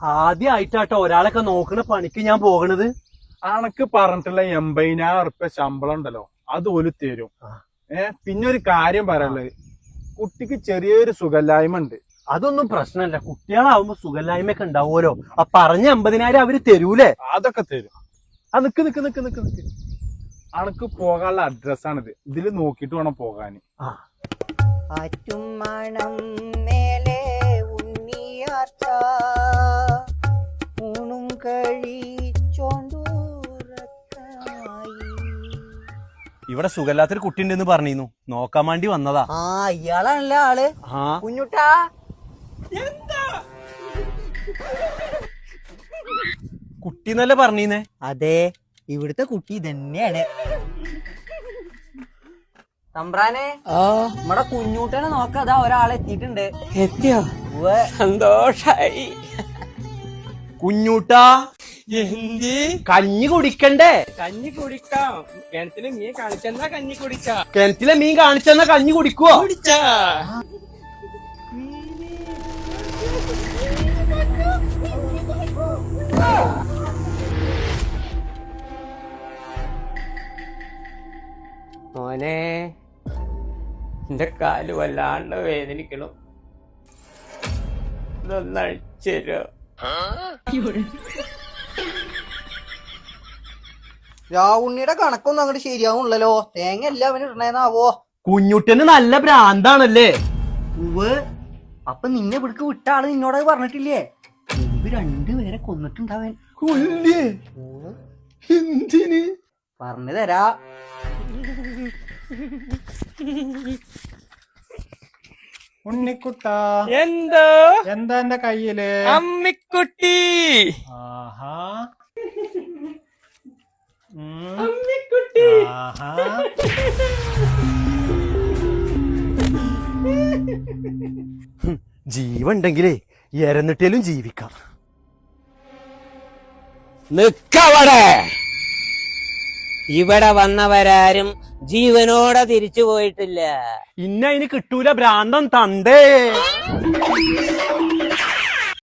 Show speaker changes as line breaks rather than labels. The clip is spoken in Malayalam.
ആദ്യമായിട്ടാട്ടോ ഒരാളൊക്കെ നോക്കണ പണിക്ക് ഞാൻ പോകണത്.
അനക്ക് പറഞ്ഞിട്ടുള്ള 80,000 റുപ്യ ശമ്പളം ഉണ്ടല്ലോ അത് ഓല് തരും. പിന്നെ ഒരു കാര്യം പറയാനുള്ളത്, കുട്ടിക്ക് ചെറിയൊരു സുഖല്ലായ്മ ഉണ്ട്.
അതൊന്നും പ്രശ്നമല്ല, കുട്ടികളാവുമ്പോ സുഖല്ലായ്മയൊക്കെ ഉണ്ടാവുമല്ലോ. ആ പറഞ്ഞ 50,000 അവര് തരൂലേ?
അതൊക്കെ തരും. നിക്ക് നിക്ക് നിക്ക് നിക്ക് നിക്ക് അനക്ക് പോകാനുള്ള അഡ്രസ്സാണിത്. ഇതില് നോക്കിട്ട് വേണം പോകാന്.
ഇവിടെ സുഖമില്ലാത്തൊരു കുട്ടി ഉണ്ടെന്ന് പറഞ്ഞിരുന്നു, നോക്കാൻ വേണ്ടി വന്നതാ.
ഇയാളാണല്ലേ ആള്? കുഞ്ഞുട്ടാ,
കുട്ടി എന്നല്ലേ പറഞ്ഞീന്നേ?
അതെ, ഇവിടുത്തെ കുട്ടി തന്നെയാണ്. തമ്പ്രാനെ, നമ്മടെ കുഞ്ഞൂട്ടനെ നോക്കാതാ ഒരാളെ എത്തിയിട്ടുണ്ട്.
എത്തിയോ? സന്തോഷായി.
കുഞ്ഞൂട്ടാ,
എന്ത്
കഞ്ഞി കുടിക്കണ്ടേ?
കഞ്ഞി കുടിക്കാം. കിണറ്റില് മീൻ കാണിച്ചെന്നാ കഞ്ഞി കുടിച്ചാ.
കിണറ്റിലെ മീൻ കാണിച്ചെന്നാ കഞ്ഞി കുടിക്കുവോ?
കുടിച്ചാ. മോനെ, എന്റെ കാല് വല്ലാണ്ട് വേദനിക്കണു, ഇതൊന്നഴിച്ചേരോ?
രാവുണ്ണിയുടെ കണക്കൊന്നും അങ്ങോട്ട് ശരിയാവുള്ളല്ലോ. തേങ്ങ എല്ലാം അവന് ഇടണേന്നാവോ?
കുഞ്ഞുട്ടന് നല്ല ഭ്രാന്താണല്ലേ?
അപ്പൊ നിന്നെ ഇവിടേക്ക് വിട്ട ആള് നിന്നോട് പറഞ്ഞിട്ടില്ലേ? മുമ്പ് 2 പേരെ കൊന്നിട്ടുണ്ടാവൻ.
കൊല്ലേ? എന്തിന്?
പറഞ്ഞു തരാ.
ഉണ്ണിക്കുട്ടാ,
എന്തോ?
എന്താ എന്റെ കയ്യില്?
അമ്മിക്കുട്ടി.
ആഹാ,
അമ്മിക്കുട്ടി.
ആഹാ.
ജീവുണ്ടെങ്കിലേ എരന്നിട്ടേലും ജീവിക്കാം.
നിക്കവിടെ. ഇവിടെ വന്നവരാരും ജീവനോടെ തിരിച്ചു പോയിട്ടില്ല.
ഇന്ന അതിന് കിട്ടൂല, ഭ്രാന്തം തണ്ടേ.